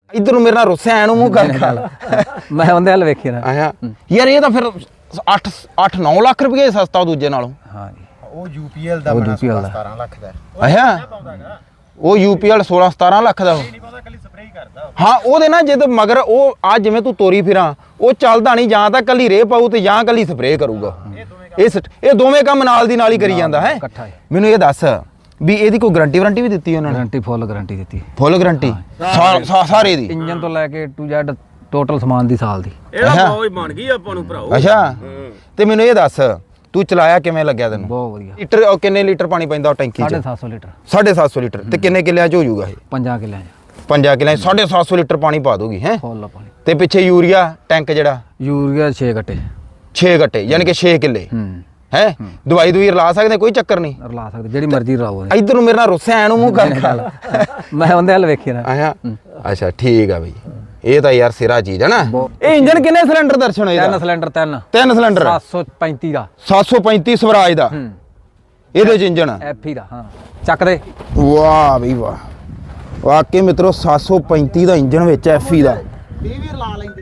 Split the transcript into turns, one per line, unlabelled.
इधर मेरे नाल रुस्से एनु मूंह कर
मैं उहदे हल वेखी ना
आया यार ये तो फिर 8-9 लाख रुपये सस्ता दूजे नालों
हाँ जी
ਉਹ UPL ਦਾ ਬਣਾ 17 ਲੱਖ ਦਾ
ਅੱਛਾ ਉਹ UPL 16-17 ਲੱਖ ਦਾ
ਨਹੀਂ ਪਾਉਂਦਾ ਕੱਲੀ ਸਪਰੇਅ ਕਰਦਾ
ਹਾਂ ਉਹਦੇ ਨਾਲ ਜਦ ਮਗਰ ਉਹ ਆ ਜਿਵੇਂ ਤੂੰ ਤੋਰੀ ਫਿਰਾਂ ਉਹ ਚੱਲਦਾ ਨਹੀਂ ਜਾਂ ਤਾਂ ਕੱਲੀ ਰੇ ਪਾਊ ਤੇ ਜਾਂ ਕੱਲੀ ਸਪਰੇਅ ਕਰੂਗਾ ਇਹ ਦੋਵੇਂ ਕੰਮ ਨਾਲ ਦੀ ਨਾਲ ਹੀ ਕਰੀ ਜਾਂਦਾ ਹੈ
ਇਕੱਠਾ ਹੀ
ਮੈਨੂੰ ਇਹ ਦੱਸ ਵੀ ਇਹਦੀ ਕੋਈ ਗਾਰੰਟੀ ਵਾਰੰਟੀ ਵੀ ਦਿੱਤੀ ਉਹਨਾਂ ਨੇ
ਗਾਰੰਟੀ ਫੁੱਲ ਗਾਰੰਟੀ ਦਿੱਤੀ
ਫੁੱਲ ਗਾਰੰਟੀ ਸਾਰੇ ਦੀ
ਇੰਜਨ ਤੋਂ ਲੈ ਕੇ ਟੂ ਜ਼ੈਡ ਟੋਟਲ ਸਮਾਨ ਦੀ ਸਾਲ ਦੀ
ਇਹਦਾ ਬਹੁਤ ਬਣ ਗਈ ਆਪਾਂ ਨੂੰ ਭਰਾਓ
ਅੱਛਾ ਤੇ ਮੈਨੂੰ ਇਹ ਦੱਸ ਤੂੰ ਚਲਾਇਆ ਕਿਵੇਂ ਲੱਗਿਆ ਤੈਨੂੰ
ਬਹੁਤ ਵਧੀਆ
ਲੀਟਰ ਕਿੰਨੇ ਲੀਟਰ ਪਾਣੀ ਪੈਂਦਾ ਉਹ ਟੈਂਕੀ 'ਚ
750 ਲੀਟਰ
750 ਲੀਟਰ ਤੇ ਕਿੰਨੇ ਕਿੱਲਿਆਂ 'ਚ ਹੋ ਜਾਊਗਾ ਇਹ
5 ਕਿੱਲਿਆਂ 'ਚ
5 ਕਿੱਲਿਆਂ 'ਚ 750 ਲੀਟਰ ਪਾਣੀ ਪਾ ਦੂਗੀ ਹੈ
ਫੁੱਲ ਪਾਣੀ
ਤੇ ਪਿੱਛੇ ਯੂਰੀਆ ਟੈਂਕ ਜਿਹੜਾ
ਯੂਰੀਆ 6 ਗੱਟੇ
6 ਗੱਟੇ ਯਾਨੀ ਕਿ 6 ਕਿੱਲੇ ਹੈ ਦਵਾਈ ਦੂਈ ਰਲਾ ਸਕਦੇ ਕੋਈ ਚੱਕਰ ਨਹੀਂ
ਰਲਾ ਸਕਦੇ ਜਿਹੜੀ ਮਰਜ਼ੀ ਰਲਾਓ
ਇਧਰ ਨੂੰ ਮੇਰੇ ਨਾਲ ਰੁੱਸੇ ਐ ਨੂੰ ਮੂੰਹ ਕਰ
ਮੈਂ ਉਹਦੇ ਹਲ ਵੇਖੀ ਨਾ
ਆਇਆ ਅੱਛਾ ਠੀਕ ਆ ਬਈ ਇਹ ਤਾਂ ਯਾਰ ਸਿਰਾ ਚੀਜ਼ ਹੈ ਨਾ ਇਹ ਇੰਜਨ ਕਿੰਨੇ ਸਿਲੰਡਰ ਦਰਸ਼ਨ ਹੋਏ
3 ਸਿਲੰਡਰ
3 ਸਿਲੰਡਰ
735 ਦਾ
735 ਸਵਰਾਜ ਦਾ ਇਹਦੇ ਚ ਇੰਜਨ
ਐਫੀ ਦਾ ਹਾਂ ਚੱਕ ਦੇ
ਵਾਹ ਬਈ ਵਾਹ ਵਾਕਈ ਮਿੱਤਰੋ 735 ਦਾ ਇੰਜਨ ਵਿੱਚ ਐਫਈ ਦਾ
ਇਹ ਵੀ ਰਲਾ ਲੈਂਦੇ